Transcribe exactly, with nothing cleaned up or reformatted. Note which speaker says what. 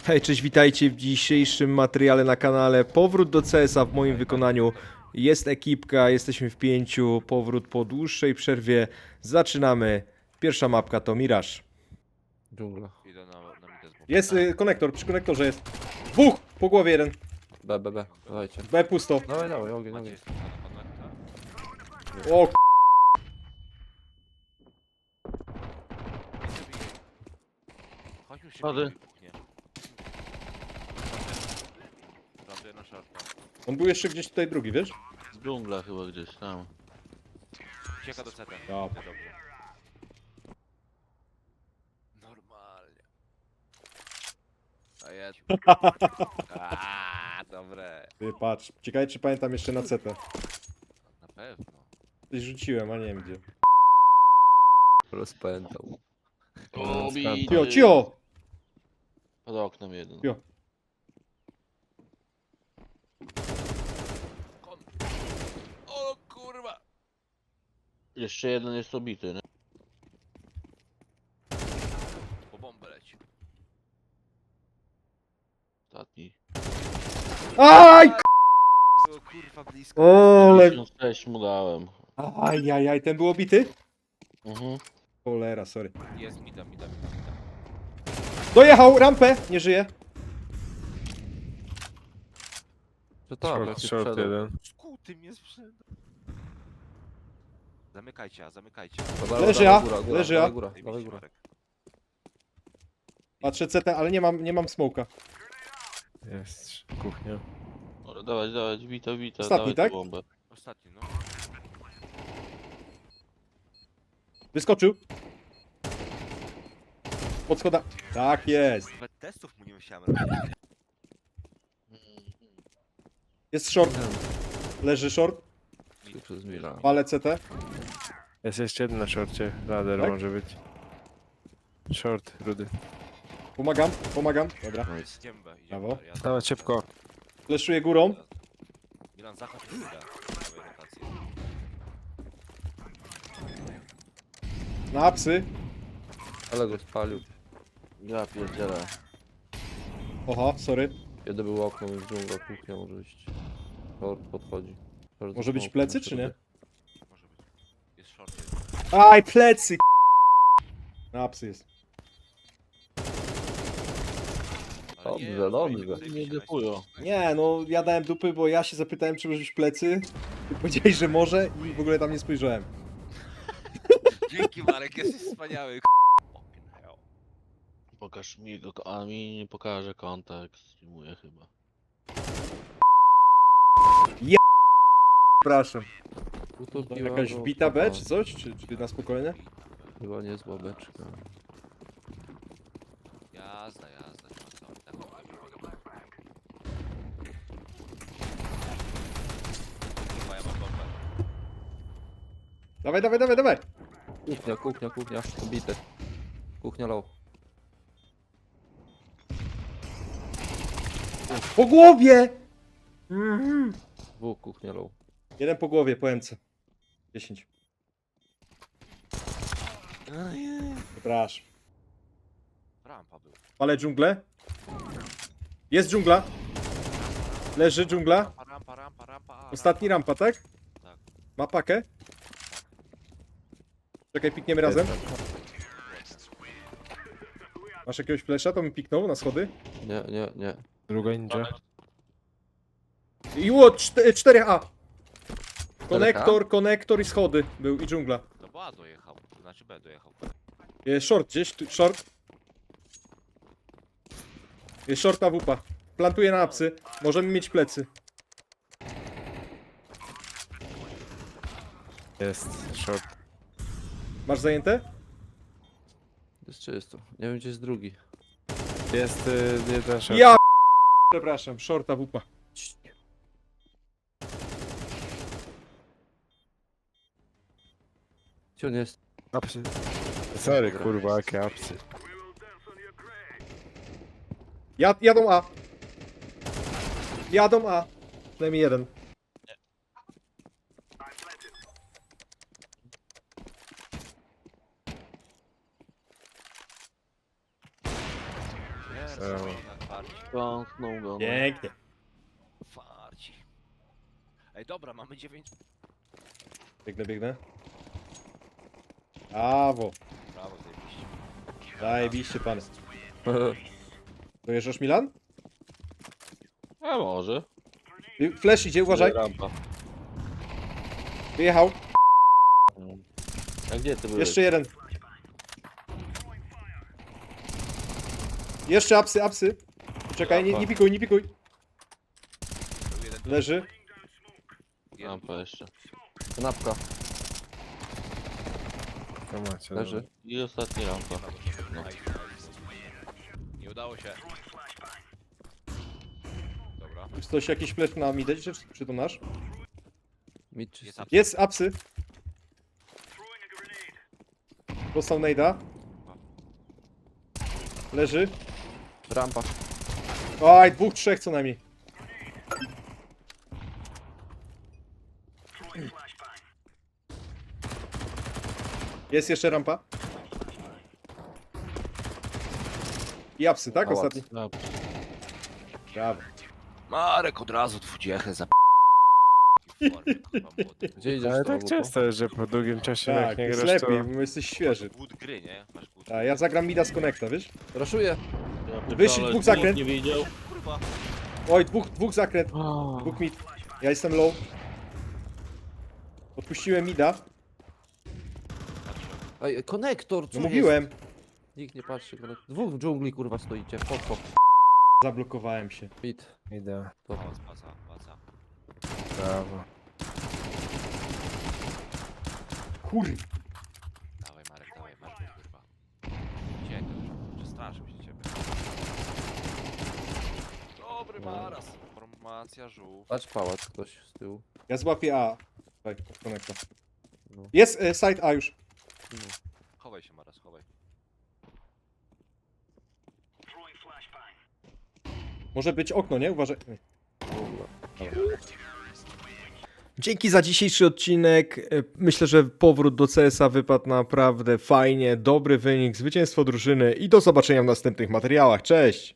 Speaker 1: Hej, cześć, witajcie w dzisiejszym materiale na kanale. Powrót do C S a w moim wykonaniu. Jest ekipka, jesteśmy w pięciu. Powrót po dłuższej przerwie. Zaczynamy. Pierwsza mapka to Mirage.
Speaker 2: Dżungla.
Speaker 3: Idę na, na midę z boku.
Speaker 1: Jest y, konektor, przy konektorze jest. Dwóch! Po głowie jeden.
Speaker 2: B, B, B. Dawajcie.
Speaker 1: B pusto.
Speaker 2: Dawaj, dawaj, ogień,
Speaker 3: Macie
Speaker 2: ogień.
Speaker 3: jest na konekta?
Speaker 1: O k***.
Speaker 3: Chodź już się
Speaker 2: Schody.
Speaker 3: bijmy, kuchnie. Plantuję na szarpa.
Speaker 1: On był jeszcze gdzieś tutaj drugi, wiesz?
Speaker 2: Z dżungla chyba gdzieś tam.
Speaker 3: Ucieka do C T.
Speaker 1: Ja.
Speaker 3: Dobrze. Normalnie. A ja... Aaaa, dobre.
Speaker 1: Ty, patrz. Ciekawe, czy pamiętam jeszcze na C T.
Speaker 3: Na pewno.
Speaker 1: Coś rzuciłem, a nie wiem gdzie.
Speaker 2: Rozpętał.
Speaker 3: O,
Speaker 1: Cio, cio!
Speaker 2: Pod oknem jeden.
Speaker 1: Cio.
Speaker 3: Kon... O kurwa!
Speaker 2: Jeszcze jeden jest obity, nie?
Speaker 3: Po bombę leci.
Speaker 1: Aj!
Speaker 2: Ostatni.
Speaker 3: Było kurwa blisko.
Speaker 1: Ole!
Speaker 2: pięćdziesiąt sześć mu dałem.
Speaker 1: Aj, aj, aj, ten był obity?
Speaker 2: Mhm.
Speaker 1: Cholera, sorry.
Speaker 3: Jest mida, mida, mida, mida.
Speaker 1: Dojechał, rampę! Nie żyje.
Speaker 2: To tak,
Speaker 4: Short,
Speaker 2: jak się
Speaker 4: short
Speaker 2: sprzedał.
Speaker 4: jeden.
Speaker 3: Skuty mnie sprzedał. Zamykajcie, a zamykajcie.
Speaker 2: Dobra,
Speaker 1: Leży
Speaker 2: dawaj
Speaker 1: A,
Speaker 2: góra, góra,
Speaker 1: leży
Speaker 2: dawaj
Speaker 1: A.
Speaker 2: góra,
Speaker 3: Daj
Speaker 2: dawaj
Speaker 3: mi
Speaker 2: góra.
Speaker 3: Marek.
Speaker 1: Patrzę C T, ale nie mam, nie mam smoka.
Speaker 4: Jest kuchnia.
Speaker 2: Dobra, dawać, dawać, bita, bita,
Speaker 1: Ostatni,
Speaker 2: dawaj
Speaker 1: tak?
Speaker 2: tę bombę.
Speaker 3: Ostatni, no.
Speaker 1: Wyskoczył. Pod schoda. Tak jest.
Speaker 3: Nawet testów mu nie musiałem robić.
Speaker 1: Jest short. Leży short.
Speaker 2: Tu przez Mila.
Speaker 1: Palę C T.
Speaker 4: Jest jeszcze jeden na shorcie. Ladder
Speaker 1: Tak?
Speaker 4: może być. Short, rudy.
Speaker 1: Pomagam, pomagam. Dobra.
Speaker 2: Nice.
Speaker 3: Idziemy B, idziemy
Speaker 1: Brawo.
Speaker 3: B. Ja
Speaker 4: Dawać szybko.
Speaker 1: Fleszuję górą.
Speaker 3: Milan, zachodź w mida. Prawej rotacji.
Speaker 1: Na apsy.
Speaker 2: Ale go spalił. Ja pierdzielę.
Speaker 1: Oha, sorry.
Speaker 2: Jeden był okno, jest dżungla, kuchnia może iść. Short podchodzi. Short
Speaker 1: Może być
Speaker 2: smoke,
Speaker 1: plecy,
Speaker 2: na
Speaker 1: czy nie?
Speaker 3: Może być. Jest short. Jest.
Speaker 1: Aj, plecy. Na apsy jest.
Speaker 3: Ale nie,
Speaker 2: Dobrze,
Speaker 3: no,
Speaker 2: dobrze.
Speaker 3: fajnie,
Speaker 2: Nie
Speaker 3: fajnie,
Speaker 2: defują.
Speaker 1: Nie, no ja dałem dupy, bo ja się zapytałem, czy może być plecy. Ty powiedziałeś, że może i w ogóle tam nie spojrzałem.
Speaker 3: Dzięki Marek, jesteś wspaniały. Fucking hell.
Speaker 2: Pokaż mi go, a mi nie pokaże konta, jak streamuje chyba.
Speaker 1: Przepraszam.
Speaker 2: Utopiła
Speaker 1: Jakaś
Speaker 2: go
Speaker 1: wbita B,
Speaker 2: papa.
Speaker 1: czy coś? Czy, czy na spokojnie?
Speaker 2: Chyba niezła beczka.
Speaker 3: Jazda, jazda. nie ma co. Tak, Kurwa, ja mam bombę.
Speaker 1: Dawaj, dawaj, dawaj, dawaj.
Speaker 2: Kuchnia, kuchnia, kuchnia, ubite. Kuchnia low.
Speaker 1: Po głowie! Mhm.
Speaker 2: Dwóch, kuchnia low.
Speaker 1: Jeden po głowie, po M C. dziesięć. Przepraszam.
Speaker 3: Rampa był.
Speaker 1: Palę dżunglę. Jest dżungla. Leży dżungla.
Speaker 3: Rampa, rampa, rampa, rampa.
Speaker 1: Ostatni rampa, tak?
Speaker 3: Tak.
Speaker 1: Ma pakę? Czekaj, pikniemy razem. Masz jakiegoś flesza? To mi piknął na schody.
Speaker 2: Nie, nie, nie.
Speaker 4: Druga ninja.
Speaker 1: I ło, cztery A. Konektor, konektor i schody był i dżungla.
Speaker 3: No bo A dojechał. To znaczy B dojechał.
Speaker 1: Jest short gdzieś, tu, short. Jest short A W P. Plantuję na apsy. Możemy mieć plecy.
Speaker 4: Jest short.
Speaker 1: Masz zajęte?
Speaker 2: Jest czysto. Nie wiem gdzie jest drugi.
Speaker 4: Jest y, jeden short.
Speaker 1: Ja przepraszam, short A W P.
Speaker 2: Gdzie on jest?
Speaker 4: Apsy. Sorry kurwa, jakie apsy.
Speaker 1: Jad, jadą A. Jadą A. Przynajmniej jeden.
Speaker 4: Brawo.
Speaker 3: Farci.
Speaker 2: Kątnął go. no.
Speaker 1: Pięknie.
Speaker 3: Farci. Ej, dobra, mamy dziewięć.
Speaker 1: Biegnę, biegnę. Brawo.
Speaker 3: Brawo, zajebiście.
Speaker 1: Zajebiście, pan. Dojeżdżasz, Milan?
Speaker 2: A może.
Speaker 1: Y, Flash idzie, uważaj.
Speaker 2: Rampa.
Speaker 1: Wyjechał.
Speaker 2: A gdzie ty byłeś?
Speaker 1: Jeszcze jeden. Jeszcze apsy, apsy. Czekaj, nie, nie pikuj, nie pikuj.
Speaker 3: Był jeden tu,
Speaker 1: Leży.
Speaker 3: jeden
Speaker 2: Rampa
Speaker 3: tu.
Speaker 2: jeszcze.
Speaker 5: Kanapka,
Speaker 4: To macie.
Speaker 5: leży.
Speaker 2: I ostatni rampa.
Speaker 3: No. Nice, nice. Nie udało się. Dobra.
Speaker 1: Czy ktoś jakiś flash na midę, czy, czy to nasz?
Speaker 5: Mid czy
Speaker 3: Jest up.
Speaker 1: Jest, apsy. Dostał nade'a. Leży.
Speaker 5: rampa.
Speaker 1: Oj, dwóch, trzech co najmniej. Jest jeszcze rampa. I apsy, tak?
Speaker 5: Pałac.
Speaker 1: Ostatni.
Speaker 2: No,
Speaker 1: Brawo.
Speaker 3: Marek od razu dwudziechę za
Speaker 5: Gdzie idziesz
Speaker 4: Ale
Speaker 5: z tą
Speaker 4: tak
Speaker 5: łupą?
Speaker 4: często jest, że po długim czasie
Speaker 1: Tak,
Speaker 4: jak nie
Speaker 1: jest
Speaker 4: grasz, to...
Speaker 1: lepiej, bo jesteś świeży.
Speaker 3: Good gry, nie? Masz good.
Speaker 1: Tak, ja zagram mida z connecta, wiesz?
Speaker 5: Raszuję.
Speaker 2: ja
Speaker 1: Wyszli,
Speaker 2: pierdolę,
Speaker 1: dwóch zakręt.
Speaker 2: nikt nie widział.
Speaker 3: Kurwa.
Speaker 1: Oj, dwóch, dwóch zakręt,
Speaker 2: Oh.
Speaker 1: dwóch mid. Ja jestem low. Odpuściłem mida.
Speaker 5: Ej, konektor,
Speaker 1: No
Speaker 5: co
Speaker 1: mówiłem.
Speaker 5: jest? Nikt nie patrzy. konek- Dwóch w dżungli kurwa stoicie. Pop, pop.
Speaker 1: Zablokowałem się.
Speaker 5: Mid.
Speaker 4: Idę.
Speaker 5: Dobra.
Speaker 3: Pałac, paca, paca.
Speaker 4: Brawo.
Speaker 1: Kurwa.
Speaker 3: Dawaj Marek, dawaj, masz go, kurwa. Uciekaj już, przestraszył się ciebie. Dobry Maras. Formacja żółw.
Speaker 5: Patrz pałac ktoś z tyłu.
Speaker 1: Ja złapię A. Tutaj, od connecta.
Speaker 5: No.
Speaker 1: Jest e, side A już.
Speaker 3: Chowaj się Maras, chowaj.
Speaker 1: Może być okno, nie? Uważaj. Nie.
Speaker 5: Dobra.
Speaker 1: Dzięki za dzisiejszy odcinek. E, Myślę, że powrót do C S a wypadł naprawdę fajnie. Dobry wynik, zwycięstwo drużyny i do zobaczenia w następnych materiałach. Cześć!